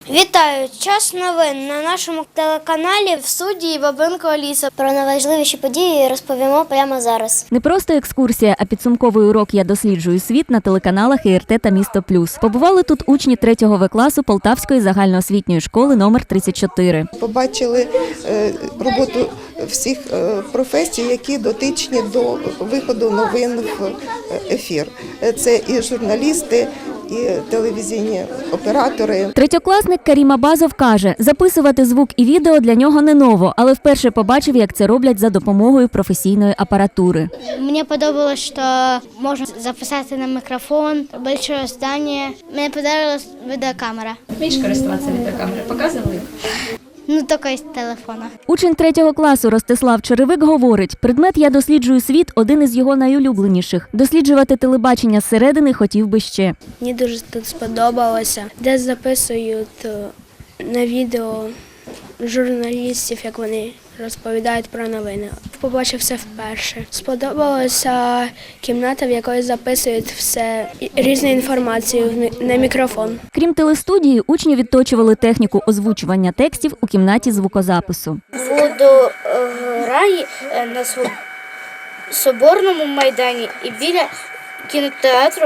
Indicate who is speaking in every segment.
Speaker 1: Вітаю! Час новин на нашому телеканалі в студії Бабинко Аліса. Про найважливіші події розповімо прямо зараз.
Speaker 2: Не просто екскурсія, а підсумковий урок «Я досліджую світ» на телеканалах ІРТ та Місто Плюс. Побували тут учні 3-го В-класу Полтавської загальноосвітньої школи номер 34.
Speaker 3: Побачили роботу всіх професій, які дотичні до виходу новин в ефір. Це і журналісти, і телевізійні оператори.
Speaker 2: Третьокласник Карім Абазов каже, записувати звук і відео для нього не ново, але вперше побачив, як це роблять за допомогою професійної апаратури.
Speaker 1: Мені подобалось, що можна записати на мікрофон, велике здання. Мені подобалась відеокамера.
Speaker 4: Вмієш користуватися відеокамерою? Показували?
Speaker 1: Ну, тільки з телефона.
Speaker 2: Учень 3-го класу Ростислав Черевик говорить, предмет «Я досліджую світ» – один із його найулюбленіших. Досліджувати телебачення зсередини хотів би ще.
Speaker 5: Мені дуже тут сподобалося, де записують на відео журналістів, як вони розповідають про новини. Побачив все вперше. Сподобалася кімната, в якої записують все різну інформацію на мікрофон.
Speaker 2: Крім телестудії, учні відточували техніку озвучування текстів у кімнаті звукозапису.
Speaker 1: Буду грати на Соборному майдані і біля кінотеатру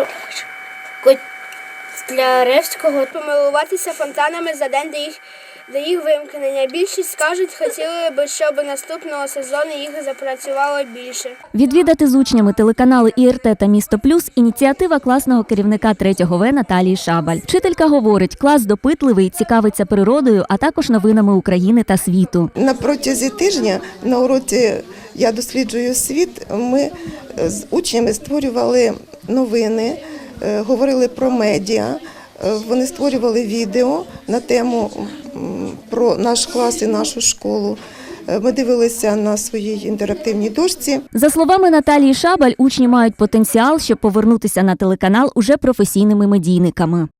Speaker 1: Котляревського.
Speaker 5: Помилуватися фонтанами за день до їх вимкнення. Більшість скажуть, хотіли б, щоб наступного сезону їх запрацювало більше.
Speaker 2: Відвідати з учнями телеканали ІРТ та Місто Плюс – ініціатива класного керівника 3-го В Наталії Шабаль. Вчителька говорить, клас допитливий, цікавиться природою, а також новинами України та світу.
Speaker 3: На протязі тижня на уроці «Я досліджую світ» ми з учнями створювали новини, говорили про медіа. Вони створювали відео на тему про наш клас і нашу школу. Ми дивилися на своїй інтерактивній дошці.
Speaker 2: За словами Наталії Шабаль, учні мають потенціал, щоб повернутися на телеканал уже професійними медійниками.